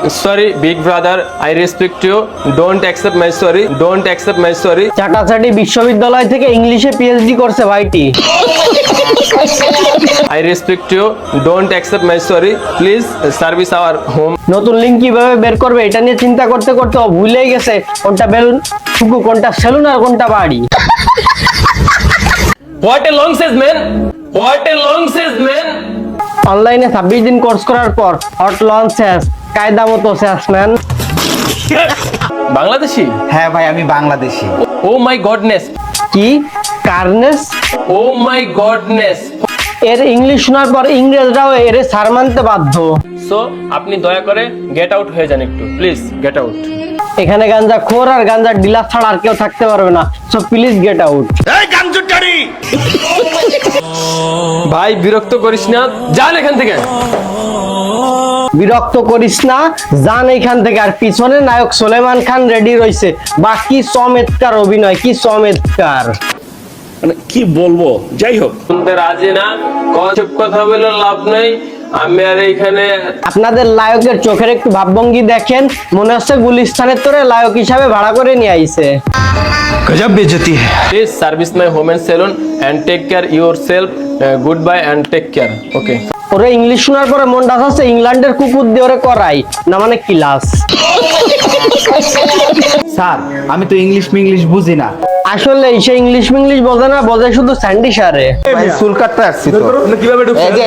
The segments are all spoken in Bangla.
sorry, big brother. I respect you. Don't accept my sorry. Don't accept my sorry. চাটাচাটি বিশ্ববিদ্যালয় থেকে ইংলিশে পিএইচডি করছে ভাইটি। I respect you. Don't accept my sorry. Please service our home. নতুন লিঙ্ক কিভাবে বের করবে এটা নিয়ে চিন্তা করতে করতে ও ভুলেই গেছে কোনটা বেলুন ফুকু, কোনটা সেলুন আর কোনটা বাড়ি। What a long says man. What a long says man. অনলাইনে 26 দিন কোর্স করার পর হট লঞ্চ শেষ, কায়দা মতো শেষ ম্যান। বাংলাদেশি? হ্যাঁ ভাই, আমি বাংলাদেশি। Oh my godness. কি কার্নেস? Oh my godness. এর ইংলিশ শোনার পর ইংরেজরাও এর সার মানতে বাধ্য। So আপনি দয়া করে গেট আউট হয়ে যান একটু, প্লিজ গেট আউট। এখানে গাঞ্জা খোর আর গাঞ্জা ডিলার ছাড়া আর কেউ থাকতে পারবে না, সো প্লিজ গেট আউট। ভাই বিরক্ত করিস না, যান এখান থেকে। বিরক্ত করিস না, যান এইখান থেকে। আর পিছনে নায়ক সুলেমান খান রেডি রয়েছে, বাকি চমৎকার অভিনয়, কি চমৎকার। মানে কি বলবো, যাই হোক। শুনতে রাজি না, চুপ কথা বলে লাভ নেই। আমি আর এইখানে আপনাদের লায়কের চোখের একটু ভাবভঙ্গি দেখেন, মনে হচ্ছে গুলিস্তানের তোরে লায়ক হিসাবে ভাড়া করে নিয়ে আইছে। গজব বেজতি है। Please service my home and salon and take care yourself. Goodbye and take care. Okay. ওরে ইংলিশ শোনার পরে মনটা হচ্ছে ইংল্যান্ডের কুকুর দিয়ে ওরে করাই না, মানে ক্লাস। স্যার, আমি তো ইংলিশ বুঝি না। আসলে সে ইংলিশ মিংলিশ বোঝে না, বোঝে শুধু স্যান্ডি সারে। ভাই চুল কাটতে আসছি তো। কিভাবে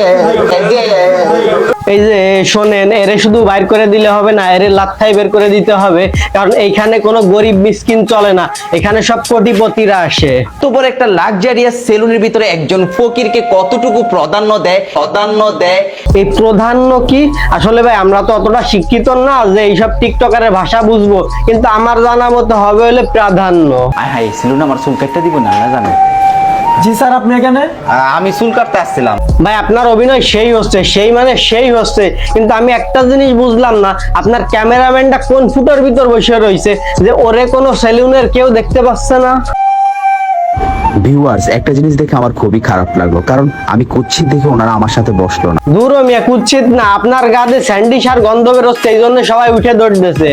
এই যে শোনেন, এরে শুধু বাইর করে দিলে হবে না, এরে লাত্থাই বের করে দিতে হবে, কারণ এইখানে কোনো গরিব মিসকিন চলে না, এখানে সব কোটিপতিরা আসে। তো বড় একটা লাক্সারিয়াস সেলুনের ভিতরে একজন ফকিরকে কতটুকু প্রাধান্য দেয় এই প্রাধান্য কি? আসলে ভাই আমরা তো অতটা শিক্ষিত না যে এইসব টিকটকারের ভাষা বুঝবো, কিন্তু আমার জানা মতো হবে হলে প্রাধান্য। হাই সেলুন আমার চুল কাটতে দিব না, না জানো? জি স্যার, আপনি এখানে? আমি চুল কাটতে আসছিলাম। ভাই আপনার অভিনয় সেই হচ্ছে, সেই মানে সেই হচ্ছে, কিন্তু আমি একটা জিনিস বুঝলাম না, আপনার ক্যামেরাম্যানটা কোন ফুটোর ভিতর বসে রয়েছে যে ওরে কোনো সেলুনের কেউ দেখতে পাচ্ছে না। ভিউয়ার্স, একটা জিনিস দেখে আমার খুবই খারাপ লাগলো, কারণ আমি কুচ্ছিত দেখে ওনারা আমার সাথে বসলো না। দূর মিয়া, কুচ্ছিত না, আপনার গায়ে স্যান্ডি সার গন্ধ বেরোচ্ছে, এই জন্য সবাই উঠে দৌড়তেছে।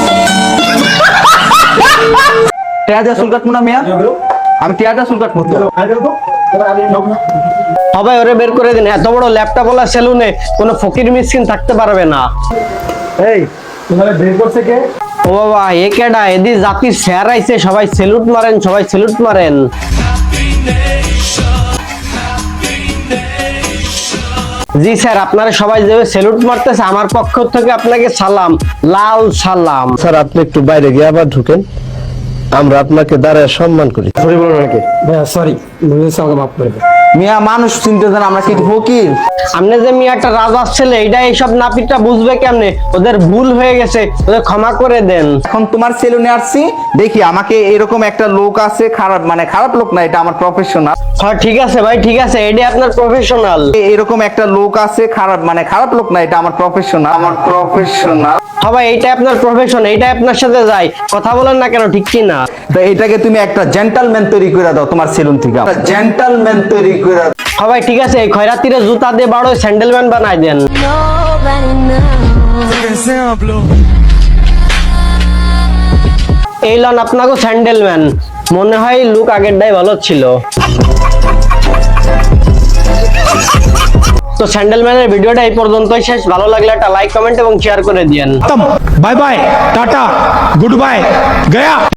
টিয়াদা চুল কাটবো না মিয়া, আমি টিয়াদা চুল কাটবো তো। সবাই ওরে বের করে দিন, এত বড় ল্যাপটপ ওলা সেলুনে কোনো ফকির মিসকিন থাকতে পারবে না। এই তোমারে বের করছে কে? ও বাবা, এ কেডা? এদি জাতির স্যার আইছে, সবাই সেলুট মারেন, সবাই সেলুট মারেন। জি স্যার, আপনারা সবাই যেভাবে সেলুট মারতেছে, আমার পক্ষ থেকে আপনাকে সালাম, লাল সালাম। স্যার আপনি একটু বাইরে গিয়ে আবার ঢুকেন, আমরা আপনাকে দাঁড়ায় সম্মান করি। সরি বলুন নাকি? ভাইয়া সরি, বুঝেছি, আমাকে মাফ করে দেন। মিয়া মানুষ চিনতে দেন, আমরা কি ফকির? আপনি যে মিয়া একটা রাজার ছেলে, এইটা এইসব নাপিতটা বুঝবে কেমনে? ওদের ভুল হয়ে গেছে, ওদের ক্ষমা করে দেন। এখন তোমার সেলুনে আসছি, দেখি আমাকে এরকম একটা লোক আছে, খারাপ মানে খারাপ লোক না, এটা আমার প্রফেশনাল। হ্যাঁ ঠিক আছে ভাই, ঠিক আছে, এটা আপনার প্রফেশনাল। এরকম একটা লোক আছে, খারাপ মানে খারাপ লোক না, এটা আমার প্রফেশনাল। সবাই এইটা আপনার প্রফেশন, এইটা আপনার সাথে যায়, কথা বলেন না কেন, ঠিক কি না? তো এটাকে তুমি একটা জেন্টলম্যান তৈরি করে দাও তোমার সেলুন থেকে, জেন্টলম্যান তৈরি করে দাও। সবাই ঠিক আছে, এই খয়রাতিরে জুতা দিয়ে বড় স্যান্ডেলম্যান বানাই দেন। এই লন আপনাকে স্যান্ডেলম্যান। মনে হয় লুক আগেরটাই ভালো ছিল। তো স্যান্ডেলম্যানের ভিডিওটা এই পর্যন্তই শেষ। ভালো লাগলে একটা লাইক, কমেন্ট এবং শেয়ার করে দিয়েন। Bye bye, tata, goodbye, गया।